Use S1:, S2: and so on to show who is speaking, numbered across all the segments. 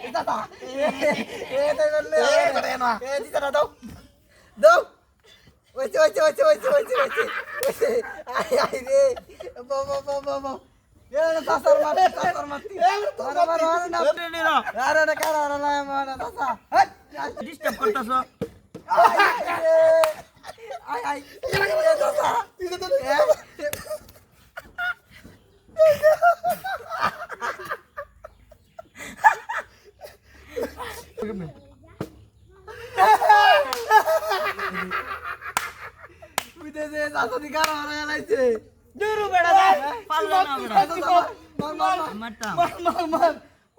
S1: দাদা এ তো বললে করে না এ দিদা দাও দাও ওইছে আই রে বাবা বাবা এ দাসার মারতি মার না আরে না কারা না মার দাসা
S2: ডিস্টার্ব করতাছ
S1: আই দাসা বিদেশে দাসাদি কারা লাইছে
S2: দূর বেড়া দে পারলো না বেড়া মারতাম
S1: মার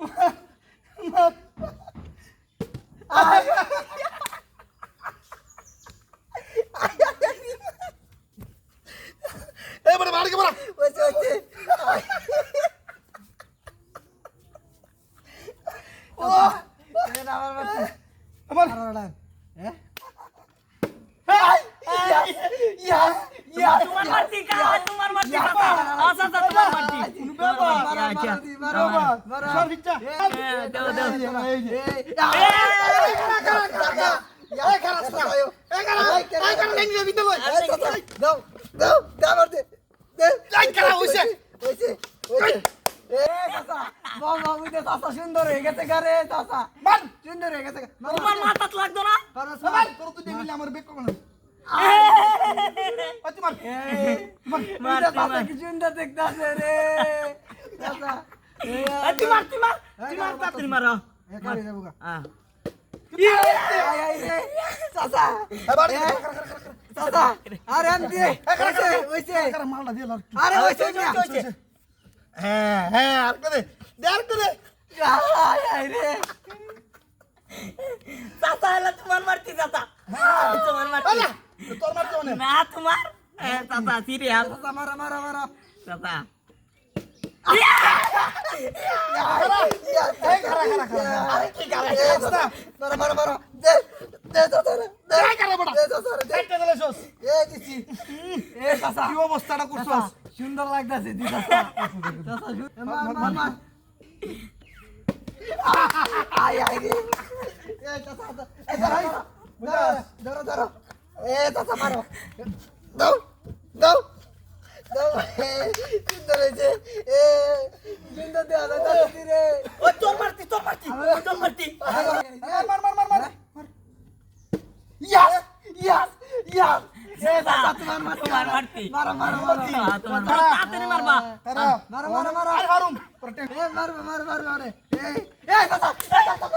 S3: এ বড় মার কে বড়
S1: ওইছে ও এ না আমার
S3: আমার
S1: হ্যাঁ
S2: তোমার মারতি কা তোমার মারতি আচ্ছা তোমার মারতি
S1: মারো
S3: সর ভিচ্চা
S2: দাও
S3: এ খারাপ সায়ো এ খারাপ লাইন দিয়ে ভিতর লই
S1: দাও মার দে
S3: লাইন খারাপ হইছে
S1: এ চাচা বাবা বুঝে চাচা সুন্দর হয়ে গেছে গারে চাচা
S3: মান
S1: সুন্দর হয়ে গেছে
S2: তোমার মাথাত লাগতো না
S3: সবার তোর তুই দিলি আমার বেক কোন পাতি মার
S2: মার
S1: চাচা কি সুন্দর দেখতাছে রে চাচা
S2: মার তাড়াতাড়ি মারো
S1: এ কারে যাবো গা
S2: হ্যাঁ
S1: আই রে চাচা
S3: এবার
S1: চাচা আরে আন দিয়ে ওইছে
S3: মালটা দিয়ে লর
S1: আরে ওইছে
S3: হ্যাঁ আর করে দে
S1: আই রে
S2: চাচা এলা তোমার মারতি চাচা তোমার মারতি
S3: আলা তোর মারতে মানে
S2: না তোমার চাচা সিরিয়াস
S1: চাচা মারা
S2: চাচা
S3: আরে কি গালা
S1: মারা দে চাচা রে
S3: দে গালা বড়
S1: দে চাচা রে
S3: দেখতে দিলে সোস
S1: এ দিছি এ চাচা
S3: কি অবস্থাটা করছস
S1: সুন্দর লাগতাছে দি চাচা মার আই রে এ চাচা ধরো এ চাচা মারো দাও সুন্দর হয়েছে এ সুন্দর দেওয়া যাচ্ছে রে
S2: ও তোর মারতি
S3: মার
S1: ইয়াস এ চাচা তোমার
S2: মারতি
S1: মারো
S2: তোমার তাড়াতাড়ি মারবা
S3: তারা
S1: মারো
S3: আর হারুম তোর
S1: এ মারো এ চাচা